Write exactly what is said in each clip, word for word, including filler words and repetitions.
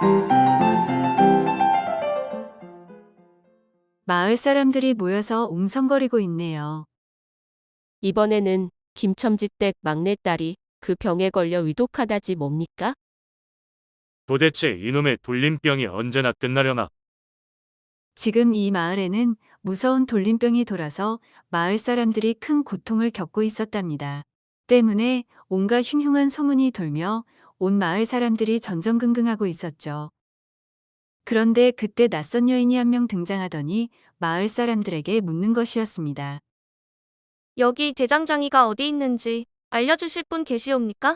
마을 사람들이 모여서 웅성거리고 있네요. 이번에는 김첨지댁 막내딸이 그 병에 걸려 위독하다지 뭡니까? 도대체 이놈의 돌림병이 언제나 끝나려나? 지금 이 마을에는 무서운 돌림병이 돌아서 마을 사람들이 큰 고통을 겪고 있었답니다. 때문에 온갖 흉흉한 소문이 돌며 온 마을 사람들이 전전긍긍하고 있었죠. 그런데 그때 낯선 여인이 한 명 등장하더니 마을 사람들에게 묻는 것이었습니다. 여기 대장장이가 어디 있는지 알려주실 분 계시옵니까?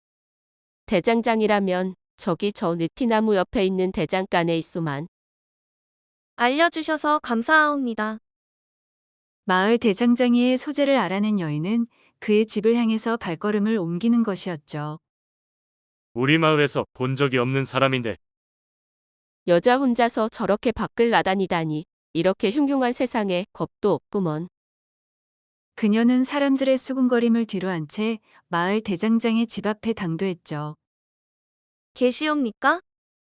대장장이라면 저기 저 느티나무 옆에 있는 대장간에 있소만. 알려주셔서 감사하옵니다. 마을 대장장이의 소재를 알아낸 여인은 그의 집을 향해서 발걸음을 옮기는 것이었죠. 우리 마을에서 본 적이 없는 사람인데 여자 혼자서 저렇게 밖을 나다니다니 이렇게 흉흉한 세상에 겁도 없구먼. 그녀는 사람들의 수군거림을 뒤로한 채 마을 대장장의 집 앞에 당도했죠. 계시옵니까?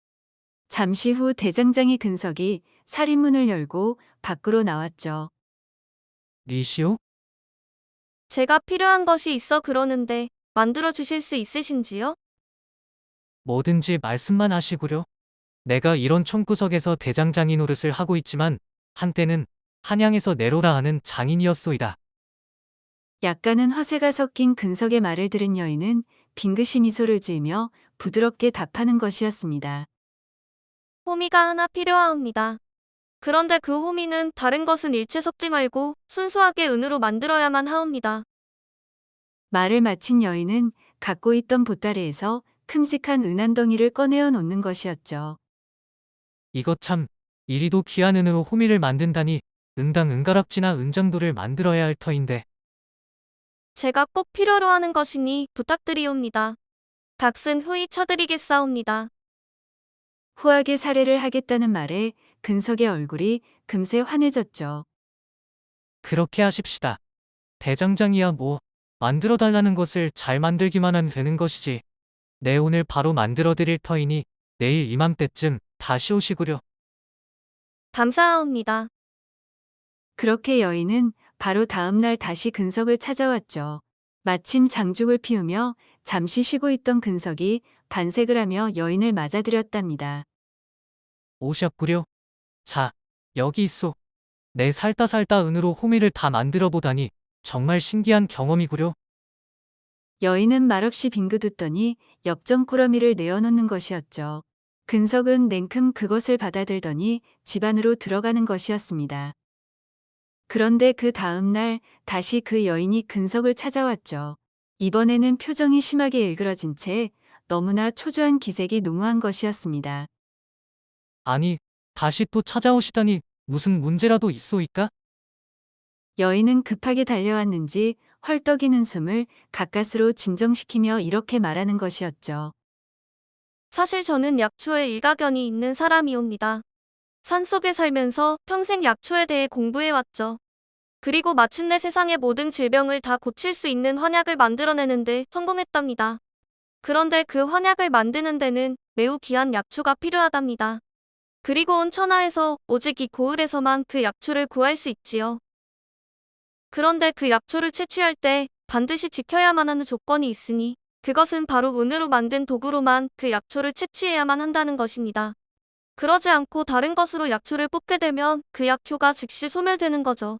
잠시 후 대장장이 근석이 살인문을 열고 밖으로 나왔죠. 리시오? 제가 필요한 것이 있어 그러는데 만들어 주실 수 있으신지요? 뭐든지 말씀만 하시구려. 내가 이런 총구석에서 대장장이 노릇을 하고 있지만 한때는 한양에서 내로라 하는 장인이었소이다. 약간은 화세가 섞인 근석의 말을 들은 여인은 빙긋이 미소를 지으며 부드럽게 답하는 것이었습니다. 호미가 하나 필요하옵니다. 그런데 그 호미는 다른 것은 일체 섞지 말고 순수하게 은으로 만들어야만 하옵니다. 말을 마친 여인은 갖고 있던 보따리에서 큼직한 은 한 덩이를 꺼내어 놓는 것이었죠. 이것 참, 이리도 귀한 은으로 호미를 만든다니 은당 은가락지나 은장도를 만들어야 할 터인데. 제가 꼭 필요로 하는 것이니 부탁드리옵니다. 닥슨 후이 쳐드리겠사옵니다. 후하게 살해를 하겠다는 말에 근석의 얼굴이 금세 환해졌죠. 그렇게 하십시다. 대장장이야 뭐 만들어 달라는 것을 잘 만들기만 하면 되는 것이지. 내 오늘 바로 만들어 드릴 터이니 내일 이맘때쯤 다시 오시구려. 감사하옵니다. 그렇게 여인은 바로 다음 날 다시 근석을 찾아왔죠. 마침 장죽을 피우며 잠시 쉬고 있던 근석이 반색을 하며 여인을 맞아들였답니다. 오셨구려. 자, 여기 있소. 내 살다 살다 은으로 호미를 다 만들어 보다니 정말 신기한 경험이구려. 여인은 말없이 빙긋 웃더니 엽전 꾸러미를 내어놓는 것이었죠. 근석은 냉큼 그것을 받아들더니 집 안으로 들어가는 것이었습니다. 그런데 그 다음 날 다시 그 여인이 근석을 찾아왔죠. 이번에는 표정이 심하게 일그러진 채 너무나 초조한 기색이 농후한 것이었습니다. 아니, 다시 또 찾아오시다니 무슨 문제라도 있소이까? 여인은 급하게 달려왔는지 헐떡이는 숨을 가까스로 진정시키며 이렇게 말하는 것이었죠. 사실 저는 약초에 일가견이 있는 사람이옵니다. 산속에 살면서 평생 약초에 대해 공부해왔죠. 그리고 마침내 세상의 모든 질병을 다 고칠 수 있는 환약을 만들어내는데 성공했답니다. 그런데 그 환약을 만드는 데는 매우 귀한 약초가 필요하답니다. 그리고 온 천하에서 오직 이 고을에서만 그 약초를 구할 수 있지요. 그런데 그 약초를 채취할 때 반드시 지켜야만 하는 조건이 있으니 그것은 바로 은으로 만든 도구로만 그 약초를 채취해야만 한다는 것입니다. 그러지 않고 다른 것으로 약초를 뽑게 되면 그 약효가 즉시 소멸되는 거죠.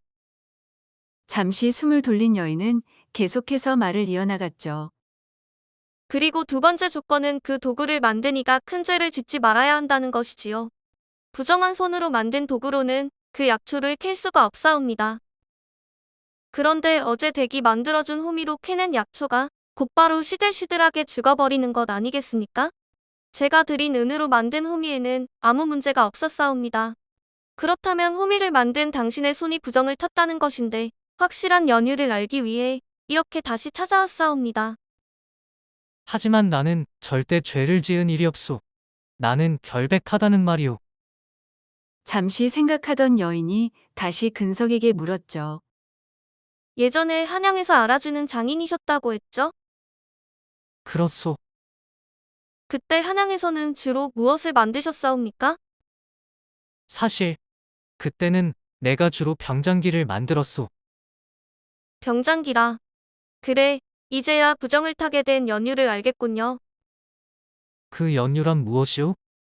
잠시 숨을 돌린 여인은 계속해서 말을 이어나갔죠. 그리고 두 번째 조건은 그 도구를 만든 이가 큰 죄를 짓지 말아야 한다는 것이지요. 부정한 손으로 만든 도구로는 그 약초를 캘 수가 없사옵니다. 그런데 어제 댁이 만들어준 호미로 캐낸 약초가 곧바로 시들시들하게 죽어버리는 것 아니겠습니까? 제가 드린 은으로 만든 호미에는 아무 문제가 없었사옵니다. 그렇다면 호미를 만든 당신의 손이 부정을 탔다는 것인데 확실한 연유를 알기 위해 이렇게 다시 찾아왔사옵니다. 하지만 나는 절대 죄를 지은 일이 없소. 나는 결백하다는 말이오. 잠시 생각하던 여인이 다시 근석에게 물었죠. 예전에 한양에서 알아주는 장인이셨다고 했죠? 그렇소. 그때 한양에서는 주로 무엇을 만드셨사옵니까? 사실 그때는 내가 주로 병장기를 만들었소. 병장기라. 그래, 이제야 부정을 타게 된 연유를 알겠군요. 그 연유란 무엇이오?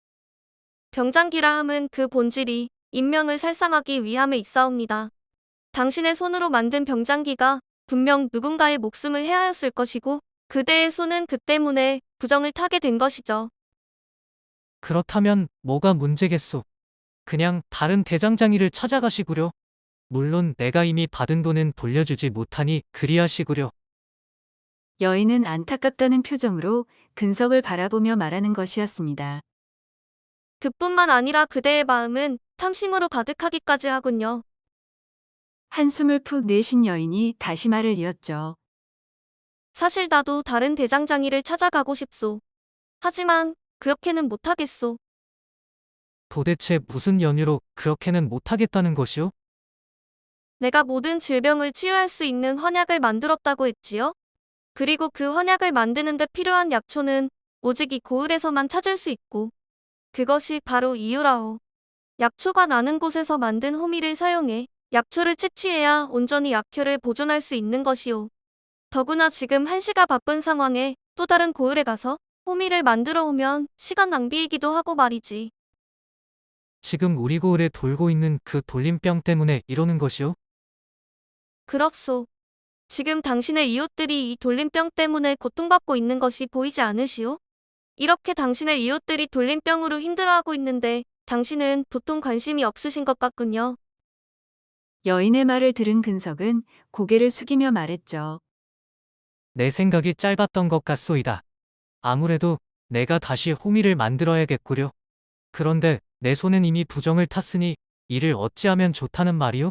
병장기라 함은 그 본질이 인명을 살상하기 위함에 있사옵니다. 당신의 손으로 만든 병장기가 분명 누군가의 목숨을 해하였을 것이고 그대의 손은 그 때문에 부정을 타게 된 것이죠. 그렇다면 뭐가 문제겠소? 그냥 다른 대장장이를 찾아가시구려. 물론 내가 이미 받은 돈은 돌려주지 못하니 그리하시구려. 여인은 안타깝다는 표정으로 근석을 바라보며 말하는 것이었습니다. 그뿐만 아니라 그대의 마음은 탐심으로 가득하기까지 하군요. 한숨을 푹 내쉰 여인이 다시 말을 이었죠. 사실 나도 다른 대장장이를 찾아가고 싶소. 하지만 그렇게는 못하겠소. 도대체 무슨 연유로 그렇게는 못하겠다는 것이오? 내가 모든 질병을 치유할 수 있는 헌약을 만들었다고 했지요. 그리고 그 헌약을 만드는 데 필요한 약초는 오직 이 고을에서만 찾을 수 있고 그것이 바로 이유라오. 약초가 나는 곳에서 만든 호미를 사용해 약초를 채취해야 온전히 약효를 보존할 수 있는 것이오. 더구나 지금 한시가 바쁜 상황에 또 다른 고을에 가서 호미를 만들어 오면 시간 낭비이기도 하고 말이지. 지금 우리 고을에 돌고 있는 그 돌림병 때문에 이러는 것이오? 그렇소. 지금 당신의 이웃들이 이 돌림병 때문에 고통받고 있는 것이 보이지 않으시오? 이렇게 당신의 이웃들이 돌림병으로 힘들어하고 있는데 당신은 도통 관심이 없으신 것 같군요. 여인의 말을 들은 근석은 고개를 숙이며 말했죠. 내 생각이 짧았던 것 같소이다. 아무래도 내가 다시 호미를 만들어야겠구려. 그런데 내 손은 이미 부정을 탔으니 이를 어찌하면 좋다는 말이오?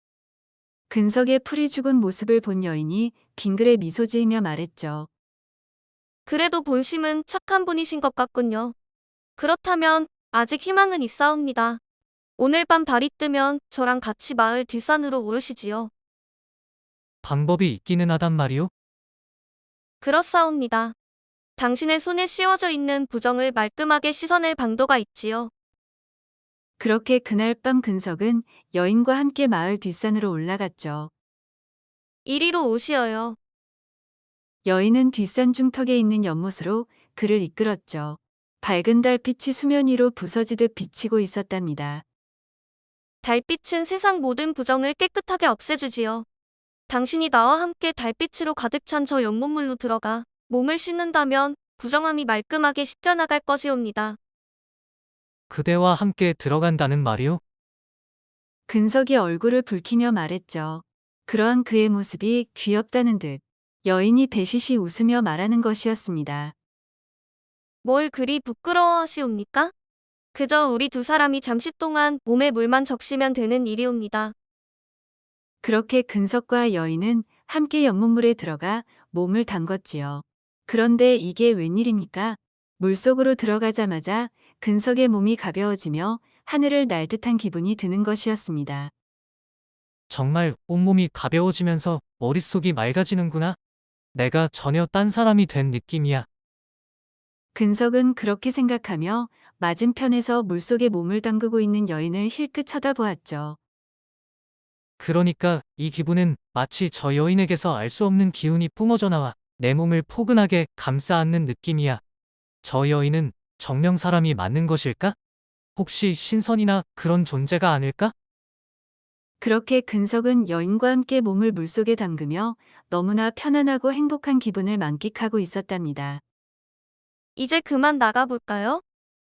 근석의 풀이 죽은 모습을 본 여인이 빙그레 미소 지으며 말했죠. 그래도 본심은 착한 분이신 것 같군요. 그렇다면 아직 희망은 있사옵니다. 오늘 밤 달이 뜨면 저랑 같이 마을 뒷산으로 오르시지요. 방법이 있기는 하단 말이오? 그렇사옵니다. 당신의 손에 씌워져 있는 부정을 말끔하게 씻어낼 방도가 있지요. 그렇게 그날 밤 근석은 여인과 함께 마을 뒷산으로 올라갔죠. 이리로 오시어요. 여인은 뒷산 중턱에 있는 연못으로 그를 이끌었죠. 밝은 달빛이 수면 위로 부서지듯 비치고 있었답니다. 달빛은 세상 모든 부정을 깨끗하게 없애주지요. 당신이 나와 함께 달빛으로 가득 찬 저 연못물로 들어가 몸을 씻는다면 부정함이 말끔하게 씻겨나갈 것이옵니다. 그대와 함께 들어간다는 말이오? 근석이 얼굴을 붉히며 말했죠. 그러한 그의 모습이 귀엽다는 듯 여인이 배시시 웃으며 말하는 것이었습니다. 뭘 그리 부끄러워하시옵니까? 그저 우리 두 사람이 잠시 동안 몸에 물만 적시면 되는 일이옵니다. 그렇게 근석과 여인은 함께 연못물에 들어가 몸을 담궜지요. 그런데 이게 웬일입니까? 물속으로 들어가자마자 근석의 몸이 가벼워지며 하늘을 날 듯한 기분이 드는 것이었습니다. 정말 온몸이 가벼워지면서 머릿속이 맑아지는구나. 내가 전혀 딴 사람이 된 느낌이야. 근석은 그렇게 생각하며 맞은편에서 물속에 몸을 담그고 있는 여인을 힐끗 쳐다보았죠. 그러니까 이 기분은 마치 저 여인에게서 알 수 없는 기운이 뿜어져 나와 내 몸을 포근하게 감싸 안는 느낌이야. 저 여인은 정령 사람이 맞는 것일까? 혹시 신선이나 그런 존재가 아닐까? 그렇게 근석은 여인과 함께 몸을 물속에 담그며 너무나 편안하고 행복한 기분을 만끽하고 있었답니다. 이제 그만 나가볼까요?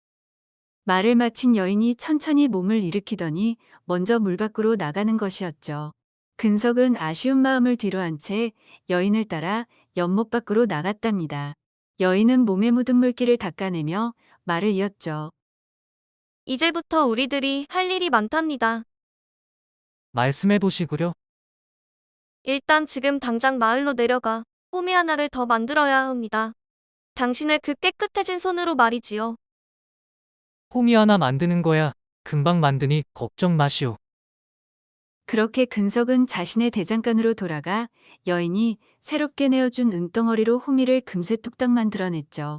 말을 마친 여인이 천천히 몸을 일으키더니 먼저 물 밖으로 나가는 것이었죠. 근석은 아쉬운 마음을 뒤로한 채 여인을 따라 연못 밖으로 나갔답니다. 여인은 몸에 묻은 물기를 닦아내며 말을 이었죠. 이제부터 우리들이 할 일이 많답니다. 말씀해 보시구려. 일단 지금 당장 마을로 내려가 호미 하나를 더 만들어야 합니다. 당신의 그 깨끗해진 손으로 말이지요. 호미 하나 만드는 거야. 금방 만드니 걱정 마시오. 그렇게 근석은 자신의 대장간으로 돌아가 여인이 새롭게 내어준 은덩어리로 호미를 금세 뚝딱 만들어냈죠.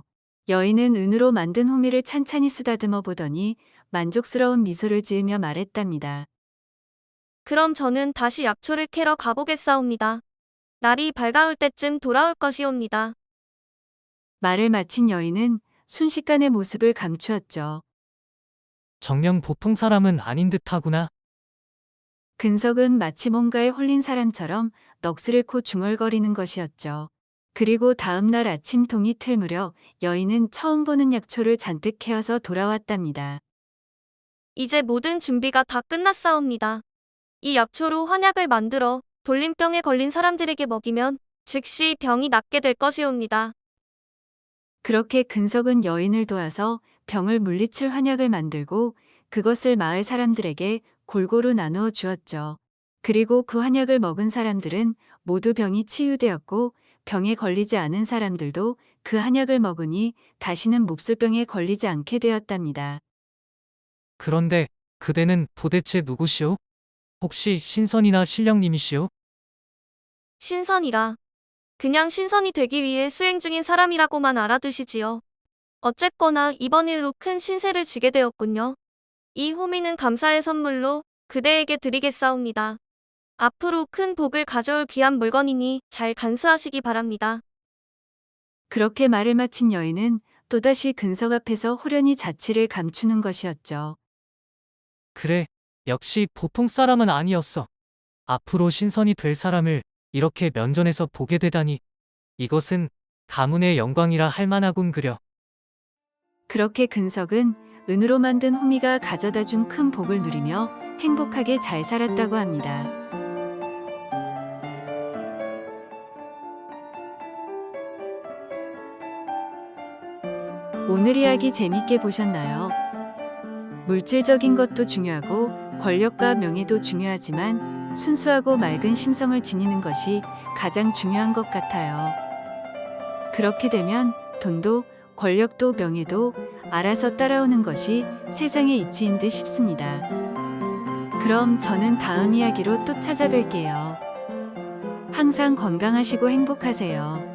여인은 은으로 만든 호미를 찬찬히 쓰다듬어 보더니 만족스러운 미소를 지으며 말했답니다. 그럼 저는 다시 약초를 캐러 가보겠사옵니다. 날이 밝아올 때쯤 돌아올 것이옵니다. 말을 마친 여인은 순식간에 모습을 감추었죠. 정녕 보통 사람은 아닌 듯하구나. 근석은 마치 뭔가에 홀린 사람처럼 넋을 잃고 중얼거리는 것이었죠. 그리고 다음 날 아침 동이 틀 무렵 여인은 처음 보는 약초를 잔뜩 캐어서 돌아왔답니다. 이제 모든 준비가 다 끝났사옵니다. 이 약초로 환약을 만들어 돌림병에 걸린 사람들에게 먹이면 즉시 병이 낫게 될 것이옵니다. 그렇게 근석은 여인을 도와서 병을 물리칠 환약을 만들고 그것을 마을 사람들에게 골고루 나누어 주었죠. 그리고 그 환약을 먹은 사람들은 모두 병이 치유되었고 병에 걸리지 않은 사람들도 그 한약을 먹으니 다시는 몹쓸병에 걸리지 않게 되었답니다. 그런데 그대는 도대체 누구시오? 혹시 신선이나 신령님이시오? 신선이라. 그냥 신선이 되기 위해 수행 중인 사람이라고만 알아두시지요. 어쨌거나 이번 일로 큰 신세를 지게 되었군요. 이 호미는 감사의 선물로 그대에게 드리겠사옵니다. 앞으로 큰 복을 가져올 귀한 물건이니 잘 간수하시기 바랍니다. 그렇게 말을 마친 여인은 또다시 근석 앞에서 호련히 자취를 감추는 것이었죠. 그래, 역시 보통 사람은 아니었어. 앞으로 신선이 될 사람을 이렇게 면전에서 보게 되다니. 이것은 가문의 영광이라 할 만하군 그려. 그렇게 근석은 은으로 만든 호미가 가져다 준 큰 복을 누리며 행복하게 잘 살았다고 합니다. 오늘 이야기 재밌게 보셨나요? 물질적인 것도 중요하고 권력과 명예도 중요하지만 순수하고 맑은 심성을 지니는 것이 가장 중요한 것 같아요. 그렇게 되면 돈도 권력도 명예도 알아서 따라오는 것이 세상의 이치인 듯 싶습니다. 그럼 저는 다음 이야기로 또 찾아뵐게요. 항상 건강하시고 행복하세요.